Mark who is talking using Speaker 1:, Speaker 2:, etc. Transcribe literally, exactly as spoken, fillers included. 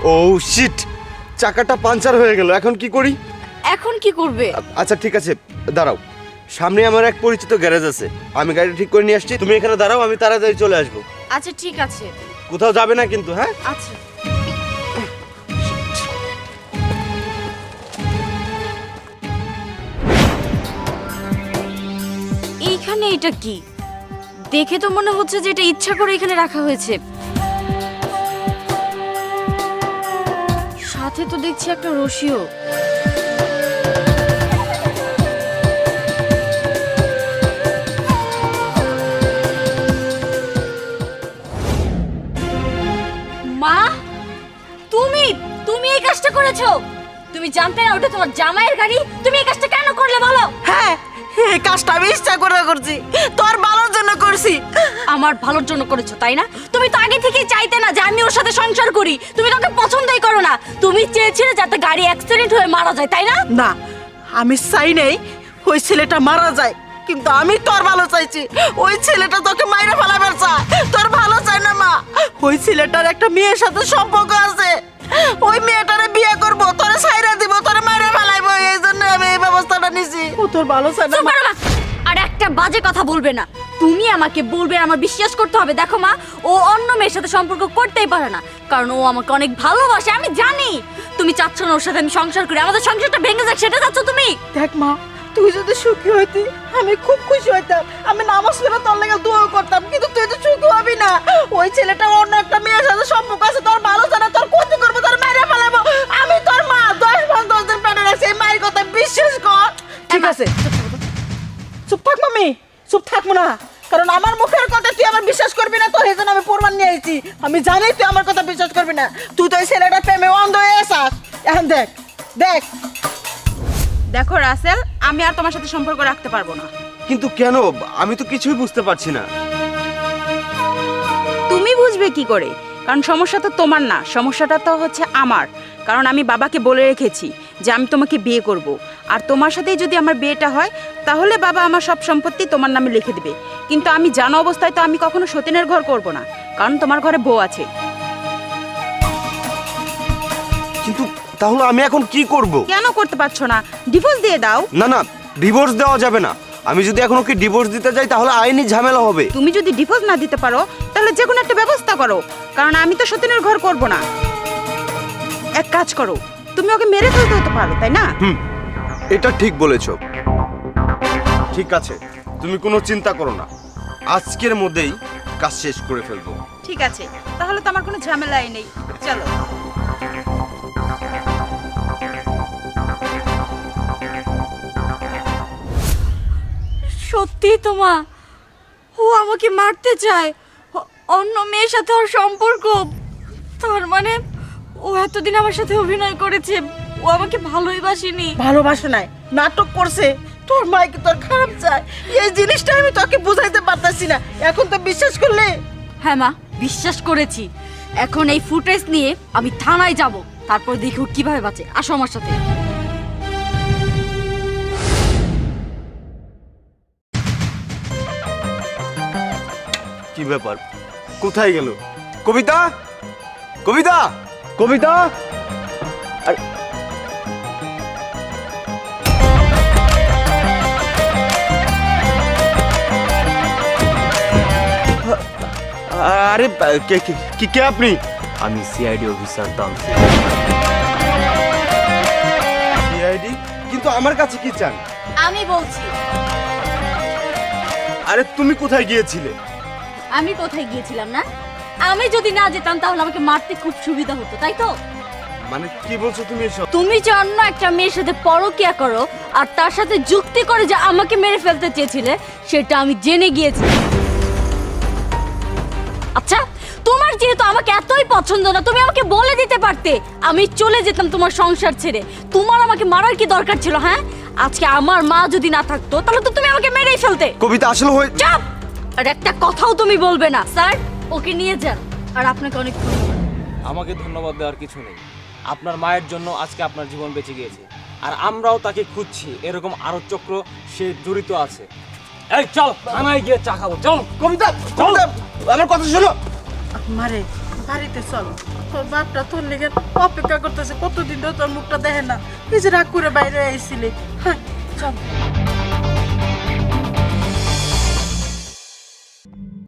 Speaker 1: ও sheet, চাকাটা puncture হয়ে গেল, এখন কি করি?
Speaker 2: এখন কি করবে?
Speaker 1: আচ্ছা ঠিক আছে, দাঁড়াও, সামনে আমার এক পরিচিত গ্যারেজ আছে, আমি গাড়ি ঠিক করে নিয়ে আসছি, তুমি এখানে দাঁড়াও, আমি তাড়াতাড়ি চলে আসবো।
Speaker 2: আচ্ছা ঠিক আছে।
Speaker 1: কোথাও যাবে না কিন্তু, হ্যাঁ?
Speaker 2: আচ্ছা। এইখানে এটা কি? দেখে তো মনে হচ্ছে যে এটা ইচ্ছা করে এখানে রাখা হয়েছে। সাথে তো দেখছি একটা রশিও। মা, তুমি তুমি এই কাজটা করেছো? তুমি জানতে না ওটা তোমার জামাইয়ের গাড়ি? তুমি এই কাজটা কেন করলে বলো?
Speaker 3: হ্যাঁ, এই কাজটা আমি ইচ্ছা করে করছি, তোর ভালোর জন্য করছি।
Speaker 2: আমার ভালোর জন্য করেছো তাই না? তুমি তো আগে থেকেই চাইতে না যে আমি ওর সাথে সংসার করি, তুমি তোকে পছন্দই করো না, তুমি চেয়েছিলে যাতে গাড়ি অ্যাক্সিডেন্ট হয়ে মারা যায় তাই না?
Speaker 3: না, আমি চাই নাই ওই ছেলেটা মারা যায়, কিন্তু আমি তোর ভালো চাইছি। ওই ছেলেটা তোকে মাইরে ফেলাবার চায়, তোর ভালো চাই না মা। ওই ছেলেটার একটা মেয়ের সাথে সম্পর্ক আছে, ওই মেয়েটারে বিয়ে করব, তোরে ছাইরা দিব, তোরে মাইরে ফেলাইবো, এই জন্য আমি এই ব্যবস্থাটা নিছি। ও তোর ভালো চাই না
Speaker 2: চুপ
Speaker 3: মা।
Speaker 2: করো মা। আর একটা বাজে কথা বলবে না, তুমি আমাকে বলবে, আমার বিশ্বাস করতে হবে। দেখো মা, ও অন্য মেয়ের সাথে সম্পর্ক করতেই পারে না, কারণ ও আমাকে অনেক ভালোবাসে, আমি জানি। তুমি চাচ্ছ না ওর সাথে আমি সংসার করি, আমাদের সংসারটা ভেঙে যাক, সেটা চাচ্ছ তুমি?
Speaker 3: দেখ মা, তুই যদি সুখী হইতি আমি খুব খুশি হইতাম, আমি নামাজ পড়ে তোর লেগে দোয়া করতাম, কিন্তু তুই তো সুখী হবি না। ওই ছেলেটা অন্য একটা মেয়ের সাথে সম্পর্ক আছে, তোর ভালো জানা, তোর ক্ষতি করবো, তোর মেরে ফেলাবো। আমি তোর মা, দশ মাস দশ দিন পেটে রাখছি, এই মায়ের কথা বিশ্বাস কর। ঠিক আছে, চুপ থাক মামি, চুপ থাকবো না, কারণ আমার মুখের কথা তুই আমার বিশ্বাস করবি না, তোর এই জন্য আমি প্রমাণ নিয়ে আইছি। আমি জানি তুই আমার কথা বিশ্বাস করবি না, তুই তো ওই ছেলেটা প্রেমে অন্ধ হয়ে আসাস। এখন দেখ দেখ
Speaker 4: দেখো রাসেল, আমি আর তোমার সাথে সম্পর্ক রাখতে পারবো না।
Speaker 1: কিন্তু কেন? আমি তো কিছুই বুঝতে পারছি না।
Speaker 4: তুমি বুঝবে কি করে? কারণ সমস্যা তো তোমার না, সমস্যাটা তো হচ্ছে আমার। কারণ আমি বাবাকে বলে রেখেছি যে আমি তোমাকে বিয়ে করব, আর তোমার সাথেই যদি আমার বিয়েটা হয় তাহলে বাবা আমার সব সম্পত্তি তোমার নামে লিখে দেবে। কিন্তু আমি জানা অবস্থায় তো আমি কখনো সতীনের ঘর করব না, কারণ তোমার ঘরে বউ আছে।
Speaker 1: কিন্তু তাহলে আমি এখন কি করব?
Speaker 4: কেন করতে পারছো না? ডিভোর্স দিয়ে দাও।
Speaker 1: না না, ডিভোর্স দেওয়া যাবে না। আমি যদি এখন ওকে ডিভোর্স দিতে যাই তাহলে আইনি ঝামেলা হবে।
Speaker 4: তুমি যদি ডিভোর্স না দিতে পারো তাহলে যে কোনো একটা ব্যবস্থা করো, কারণ আমি তো সতীনের ঘর করব না। এক কাজ করো, তুমি ওকে মেরে ফেলতে হতে পারো, তাই না?
Speaker 1: হুম, এটা ঠিক বলেছো। ঠিক আছে, তুমি কোনো চিন্তা করো না, আজকের মধ্যেই কাজ শেষ করে ফেলবো।
Speaker 4: ঠিক আছে, তাহলে তো আমার কোনো ঝামেলাই নেই। চলো।
Speaker 2: সত্যি তো মা, ও আমাকে মারতে চায়, অ- অন্য মেয়ের সাথে ওর সম্পর্ক। তার মানে ও এতদিন আমার সাথে অভিনয় করেছে, ও আমাকে ভালোই বাসেনি।
Speaker 3: ভালোবাসা নাই, নাটক করছে। তোর মাইকে তোর খারাপ চায়, এই জিনিসটা আমি তোকে বুঝাইতে পারতাছি না, এখন তো বিশ্বাস করলে।
Speaker 2: হ্যাঁ মা, বিশ্বাস করেছি। এখন এই ফুটেজ নিয়ে আমি থানায় যাব, তারপর দেখো কিভাবে বাঁচে। আসো আমার সাথে।
Speaker 1: কি ব্যাপার, কোথায় গেল কবিতা? কবিতা, কবিতা! আরে আরে কে কে- কি কে আপনি?
Speaker 5: আমি সিআইডি অফিসার তানসির।
Speaker 1: সিআইডি? কিন্তু আমার কাছে কি চান?
Speaker 2: আমি বলছি।
Speaker 1: আরে তুমি কোথায় গিয়েছিলে?
Speaker 2: আমি কোথায় গিয়েছিলাম না? আমি যদি না যেতাম তাহলে আমাকে মারতে খুব সুবিধা হতো, তাই তো?
Speaker 1: মানে কি বলছো তুমি এসব?
Speaker 2: তুমি যে অন্য একটা মেয়ের সাথে পরকিয়া করো আর তার সাথে যুক্তি করে যে আমাকে মেরে ফেলতে চেয়েছিলে, সেটা আমি জেনে গিয়েছি। আচ্ছা, তোমার যেহেতু আমাকে এতই পছন্দ না, তুমি আমাকে বলে দিতে পারতে, আমি চলে যেতাম তোমার সংসার ছেড়ে। তোমার আমাকে মারার কি দরকার ছিল? হ্যাঁ, আজকে আমার মা যদি না থাকতো তাহলে তো তুমি আমাকে মেরেই ফেলতে।
Speaker 1: কবিতা আসলে হয়ে
Speaker 2: চুপ! আর একটা কথাও তুমি বলবে না। স্যার, ওকে নিয়ে যান। আর আপনাকে অনেক ধন্যবাদ।
Speaker 5: আমাকে ধন্যবাদ দেওয়ার কিছু নেই, আপনার মায়ের জন্য আজকে আপনার জীবন বেঁচে গিয়েছে, আর আমরাও তাকে খুঁজছি। এরকম আরো চক্র সে জড়িত আছে। এই চল থানায় গিয়ে চা খাবো, চল।
Speaker 1: কবিতা, কবিতা, আমার কথা শোনো।
Speaker 3: মারে বাড়িতে চল, তোর বাপটা তোর লেগে অপেক্ষা করতেছে, কতদিন ধরে তোর মুখটা দেখে না, এই যে রাগ করে বাইরে আইছিলি। হ্যাঁ চল।